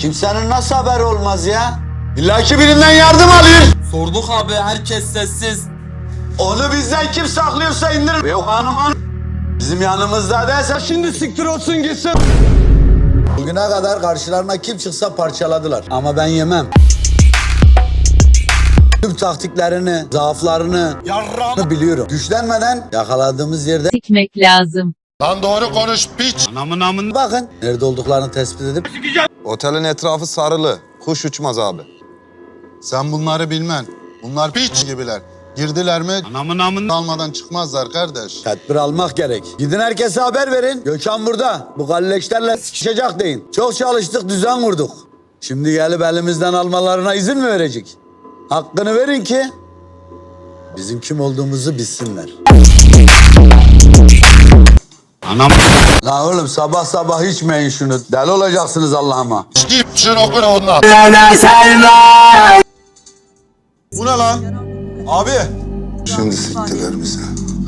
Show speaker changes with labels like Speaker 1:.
Speaker 1: Kimsenin nasıl haberi olmaz ya? İlla ki birinden yardım alıyor.
Speaker 2: Sorduk abi, herkes sessiz.
Speaker 1: Onu bizden kim saklıyorsa indirir. Yok hanımın. Bizim yanımızda değilse şimdi siktir olsun gitsin. Bugüne kadar karşılarına kim çıksa parçaladılar. Ama ben yemem. Tüm taktiklerini, zaaflarını biliyorum. Güçlenmeden yakaladığımız yerde
Speaker 3: Sikmek lazım.
Speaker 4: Lan doğru konuş piç.
Speaker 1: bakın nerede olduklarını tespit edip
Speaker 4: Otelin etrafı sarılı. Kuş uçmaz abi. Sen bunları bilmen. Bunlar piç gibiler. Girdiler mi almadan çıkmazlar kardeş.
Speaker 1: tedbir almak gerek. Gidin herkese haber verin. Gökhan burada. Bu galleşlerle sıkışacak deyin. Çok çalıştık, düzen kurduk. Şimdi gelip elimizden almalarına izin mi verecek? Hakkını verin ki bizim kim olduğumuzu bilsinler. La oğlum sabah sabah içmeyin şunu. Deli olacaksınız Allah'ıma.
Speaker 4: Git şunu okuna ondan. Bu ne lan? Abi. Şimdi siktiler bizi.